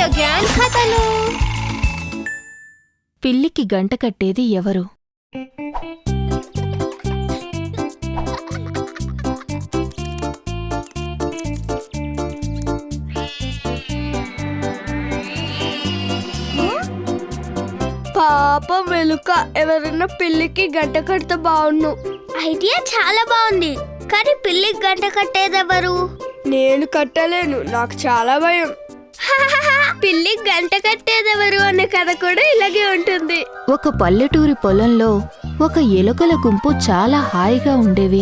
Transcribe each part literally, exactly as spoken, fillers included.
Grand కథలు. పిల్లికి గంట కట్టేది ఎవరు? పాపం వెలుక, ఎవరన్నా పిల్లికి గంట కడితే బాగుండు. ఐడియా చాలా బాగుంది, కానీ పిల్లికి గంట కట్టేదెవరు? నేను కట్టలేను, నాకు చాలా భయం. పిల్లికి గంట కట్టేదెవరు అనే కథ కూడా ఇలాగే ఉంటుంది. ఒక పల్లెటూరి పొలంలో ఒక ఎలుకల గుంపు చాలా హాయిగా ఉండేవి.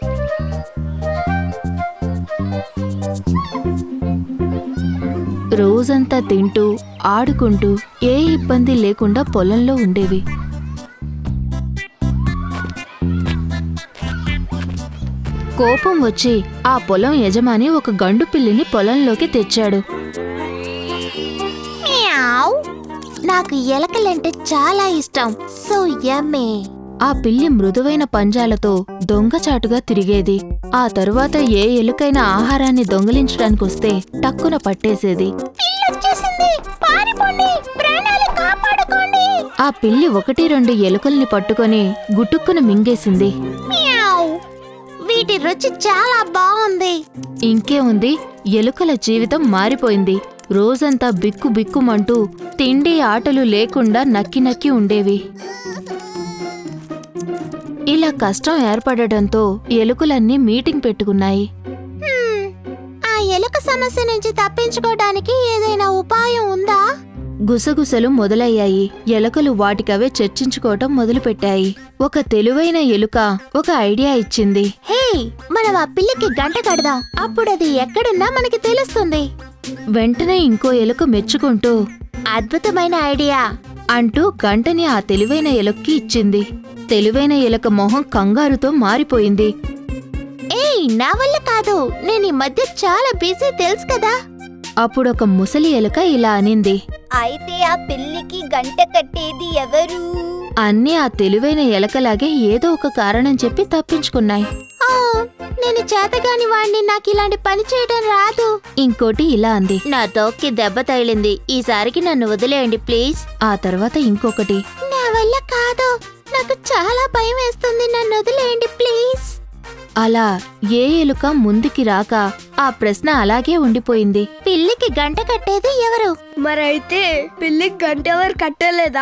రోజంతా తింటూ ఆడుకుంటూ ఏ ఇబ్బంది లేకుండా పొలంలో ఉండేవి. కోపం వచ్చి ఆ పొలం యజమాని ఒక గండు పిల్లిని పొలంలోకి తెచ్చాడు. నాకు ఎలకలంటే చాలా ఇష్టం, సో యమ్మీ. ఆ పిల్లి మృదువైన పంజాలతో దొంగచాటుగా తిరిగేది. ఆ తరువాత ఏ ఎలుకైనా ఆహారాన్ని దొంగిలించడానికొస్తే టక్కున పట్టేసేది. ఆ పిల్లి ఒకటి రెండు ఎలుకల్ని పట్టుకొని గుటుక్కున మింగేసింది. వీటి రుచి చాలా బాగుంది. ఇంకే ఉంది, ఎలుకల జీవితం మారిపోయింది. రోజంతా బిక్కు బిక్కుమంటూ తిండి ఆటలు లేకుండా నక్కి నక్కి ఉండేవి. ఇలా కష్టం ఏర్పడటంతో ఎలుకలన్నీ మీటింగ్ పెట్టుకున్నాయి. ఆ ఎలుక సమస్య నుంచి తప్పించుకోవడానికి ఏదైనా ఉపాయం ఉందా? గుసగుసలు మొదలయ్యాయి. ఎలుకలు వాటికవే చర్చించుకోవటం మొదలుపెట్టాయి. ఒక తెలివైన ఎలుక ఒక ఐడియా ఇచ్చింది. హే, మనం ఆ పిల్లికి గంట కడదాం, అప్పుడు అది ఎక్కడున్నా మనకి తెలుస్తుంది. వెంటనే ఇంకో ఎలుక మెచ్చుకుంటూ అద్భుతమైన ఐడియా అంటూ గంటని ఆ తెలివైన ఎలుక్కి ఇచ్చింది. తెలివైన ఎలుక మొహం కంగారుతో మారిపోయింది. ఏయ్, నా వల్ల కాదు, నేను ఈ మధ్య చాలా బిజీ, తెలుసు కదా. అప్పుడొక ముసలి ఎలుక ఇలా అనింది. అయితే ఆ పిల్లికి గంట కట్టేది ఎవరు? అన్నీ ఆ తెలివైన ఎలకలాగే ఏదో ఒక కారణం చెప్పి తప్పించుకున్నాయి. నేను చేతగాని వాణ్ణి, నాకు ఇలాంటి పని చేయడం రాదు. ఇంకోటి ఇలా అంది. నా తోక్కి దెబ్బ తగిలింది, ఈసారికి నన్ను వదిలేయండి ప్లీజ్. ఆ తర్వాత ఇంకొకటి. నా వల్ల కాదు, నాకు చాలా భయం వేస్తుంది, నన్ను వదిలేయండి ప్లీజ్. అలా ఏ ఎలుక ముందుకి రాక ఆ ప్రశ్న అలాగే ఉండిపోయింది. పిల్లికి గంట కట్టేది ఎవరు? మరైతే పిల్లికి గంట ఎవరు కట్టలేదా?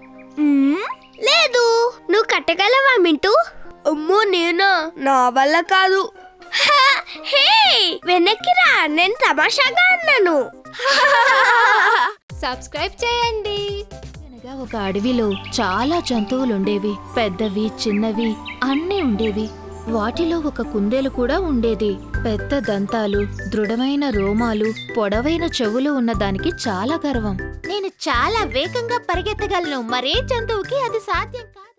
లేదు. నువ్వు కట్టగలవా మింటూ? అమ్మో, నేనా? నా వల్ల కాదు. హే, వెనక్కి రా, నేను తమాషాగా అన్నాను. సబ్స్క్రైబ్ చేయండి. అనగా ఒక అడవిలో చాలా జంతువులుండేవి. పెద్దవి చిన్నవి అన్నీ ఉండేవి. వాటిలో ఒక కుందేలు కూడా ఉండేది. పెద్ద దంతాలు, దృఢమైన రోమాలు, పొడవైన చెవులు ఉన్న దానికి చాలా గర్వం. నేను చాలా వేగంగా పరిగెత్తగలను, మరే జంతువుకి అది సాధ్యం కాదు.